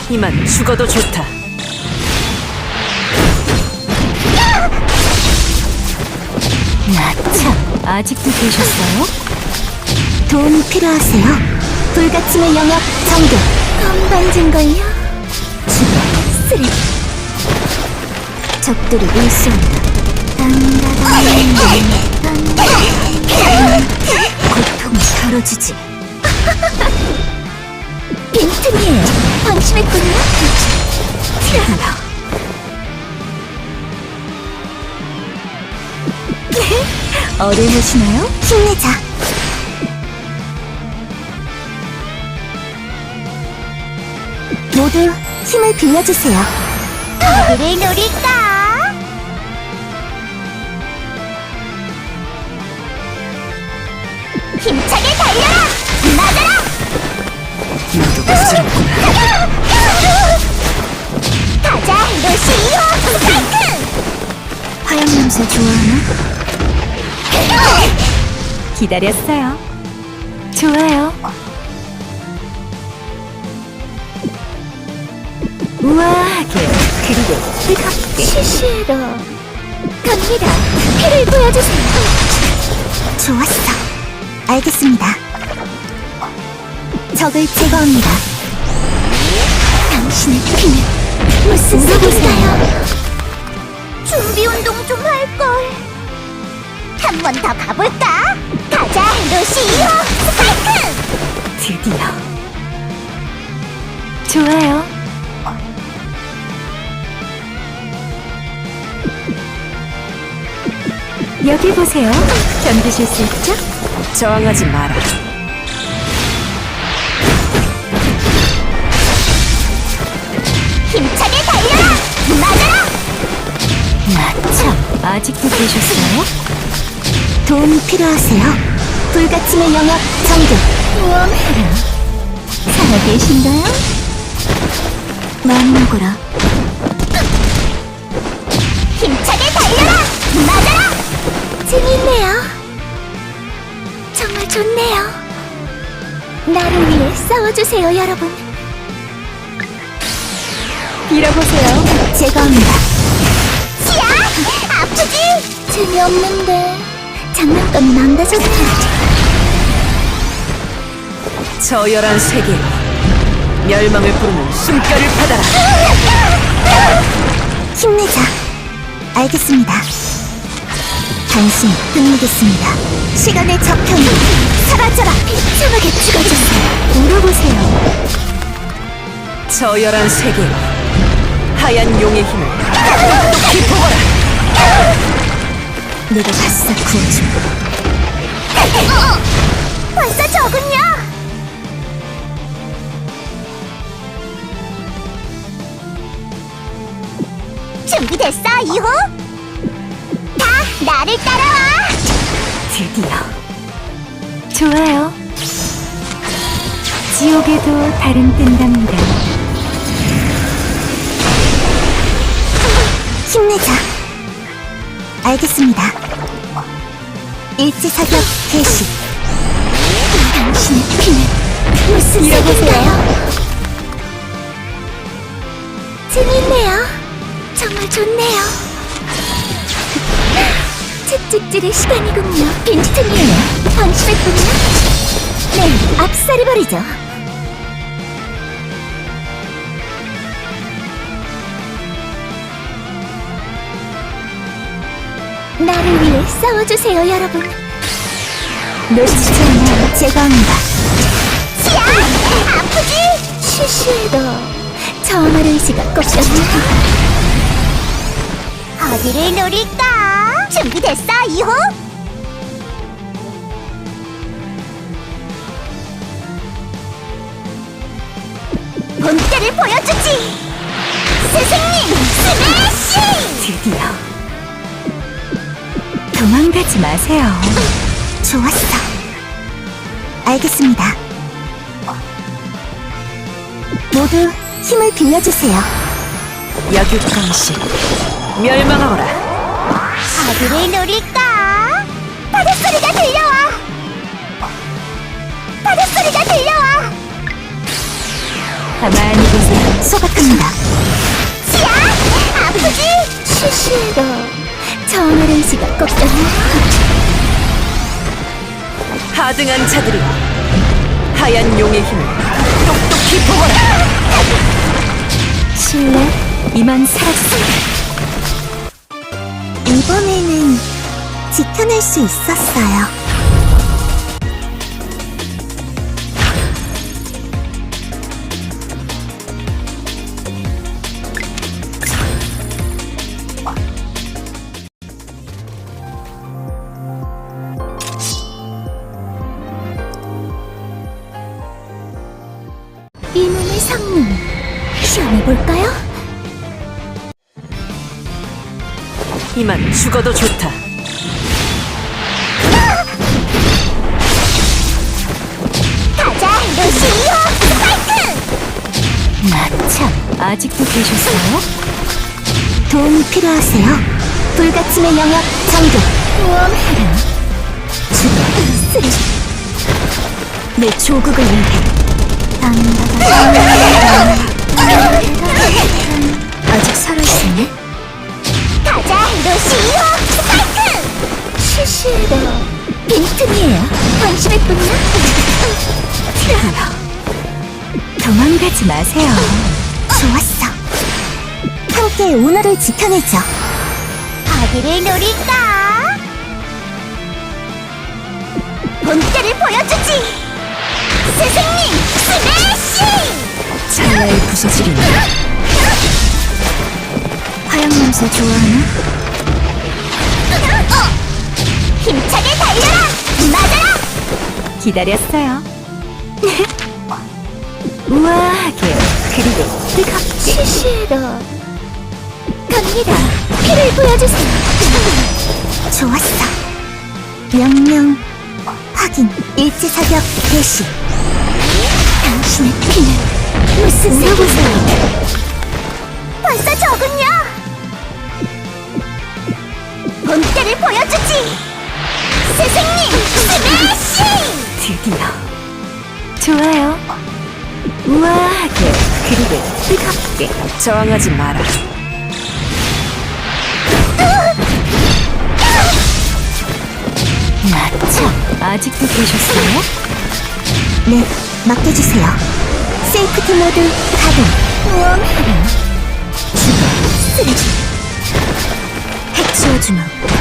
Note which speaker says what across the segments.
Speaker 1: 이만 죽어도 좋다.
Speaker 2: 나 참, 아직도 계셨어요? 도움이 필요하세요? 불가침의 영역 정교. 건방진걸요? 죽어, 쓰레기. 적들이 일수한다. 고통을 덜어주지. 빈틈이에요. 방심했군요. 티라노. 어른하시나요? 힘내자. 모두 힘을 빌려주세요. 어디를 노릴까? 힘차게 달려라! 맞아라!
Speaker 1: 모두가 쓰럽구나.
Speaker 2: 가자, 루시 2호 스파이크! 화염 냄새 좋아하나? 기다렸어요. 좋아요. 우아하게 그리고 뜨겁게 시시해라. 갑니다. 피를 보여주세요. 좋았어. 알겠습니다. 적을 제거합니다. 당신의 피는 무슨 색일까요? 준비 운동 좀 할걸. 한 번 더 가볼까? 가자, 루시 2호 스파이크! 드디어. 좋아요. 여기 보세요. 견디실 수 있죠?
Speaker 1: 저항하지 마라.
Speaker 2: 힘차게 달려라! 맞아라! 나 참, 아직도 계셨어요? 도움이 필요하세요? 불가침의 영역 정교. 모험해라. 살아계신가요? 많이 먹어라. 힘차게 달려라! 맞아라! 재밌네요. 정말 좋네요. 나를 위해 싸워주세요, 여러분. 빌어보세요. 제거합니다. 치아! 아프지? 재미없는데. 장난감이 망가졌다.
Speaker 1: 저열한 세계, 멸망을 부르는 숨결을 받아라.
Speaker 2: 힘내자. 알겠습니다. 당신 끝내겠습니다. 시간의 저편이 사라져라. 비참하게 죽어주세요. 물어보세요.
Speaker 1: 저열한 세계, 하얀 용의 힘을 똑똑히 보거라.
Speaker 2: 내가 바싹 구워주마. 벌써 적은요? 준비됐어, 2호? 다 나를 따라와!
Speaker 1: 드디어. 좋아요. 지옥에도 달은 뜬답니다.
Speaker 2: 힘내자. 알겠습니다. 일제 사격 개시. 당신의 피는 무슨 색인가요? 재밌네요. 정말 좋네요. 채찍질의 시간이군요. 빈틈이에요. 방심했군요. 네, 압살해버리죠. 나를 위해 싸워주세요, 여러분. 놓치지 않아요. 제거합니다. 치아! 아프지? 쉬쉬해도 저항할 의지가 꺾였네요. 어디를 노릴까? 준비됐어, 2호? 본때를 보여주지! 스승님, 스매싱!
Speaker 1: 드디어. 도망가지 마세요.
Speaker 2: 좋았어. 알겠습니다. 모두 힘을 빌려주세요.
Speaker 1: 약육강식, 멸망하거라.
Speaker 2: 어디를 노릴까? 바닷소리가 들려와! 바닷소리가 들려와! 가만히 보세요. 소각합니다. 치아! 아프지? 쉬쉬도 정어른 씨가 꼭
Speaker 1: 하등한 자들이 하얀 용의 힘을 똑똑히 보거라.
Speaker 2: 실례, 이만 살았어. 이번에는 지켜낼 수 있었어요. 이 몸의 성능 시험해볼까요?
Speaker 1: 이만 죽어도 좋다.
Speaker 2: 가자, 루시오! 스파이크! 나참 아직도 계셨어요? 도움이 필요하세요? 불가침의 영역 전개 모험해라. 죽어 쓰리. 내 조국을 위해. 아직 살아있네? 가자, 루시오! 스파이크! 쉬쉬로 빈틈이에요. 관심했군요. 도망가지 마세요. 좋았어. 함께 오너를 지켜내죠. 어디를 노릴까? 본때를 보여주지! 스승님! 스매시!
Speaker 1: 찰나의 부서지리니
Speaker 2: 화양 냄새 좋아하나? 힘차게 달려라! 맞아라! 기다렸어요. 우아하게 그리고 뜨겁게 시시로 갑니다. 피를 보여주세요. 좋았어. 명령 확인. 일지사격 개시. 당신의 피는 무슨 물어보세요. 벌써 적은요. 본때를 보여주지. 스승님 스매시.
Speaker 1: 드디어
Speaker 2: 좋아요. 우아하게 그리고 뜨겁게.
Speaker 1: 저항하지 마라.
Speaker 2: 나참 아직도 계셨어요? 네, 맡겨주세요. 세이프티 모드 가동. 모험해라. 죽어 쓰레기. 핵수어주마.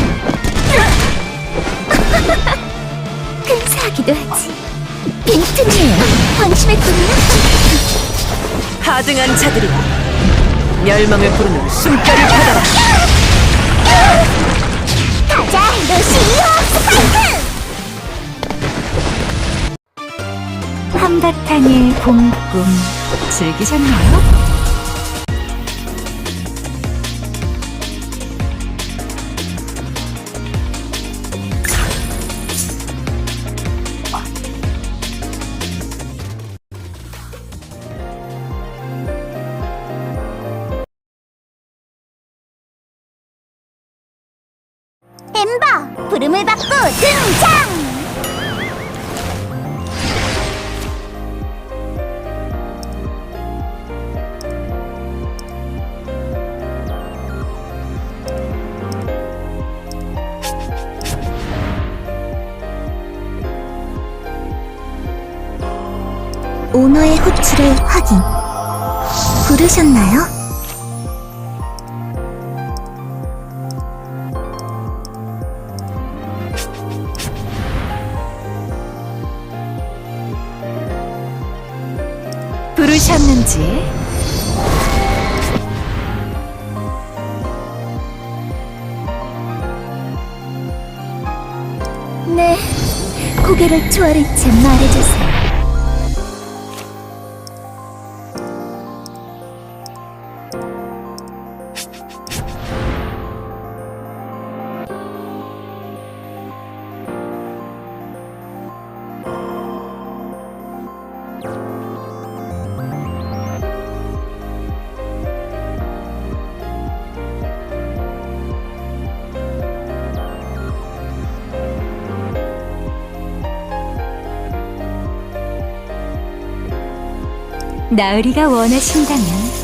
Speaker 2: 근사하기도 하지. 빈틈이에요. 방심했군요.
Speaker 1: 하등한 자들이 멸망을 부르는 숨결을 받아라.
Speaker 2: 가자, 루시오 스파이크! 한바탕의 봄꿈 즐기셨나요? 엠버! 부름을 받고 등장! 오너의 호출을 확인. 부르셨나요?
Speaker 1: 부르셨는지
Speaker 2: 네, 고개를 조아린 채 말해주세요. 나으리가 원하신다면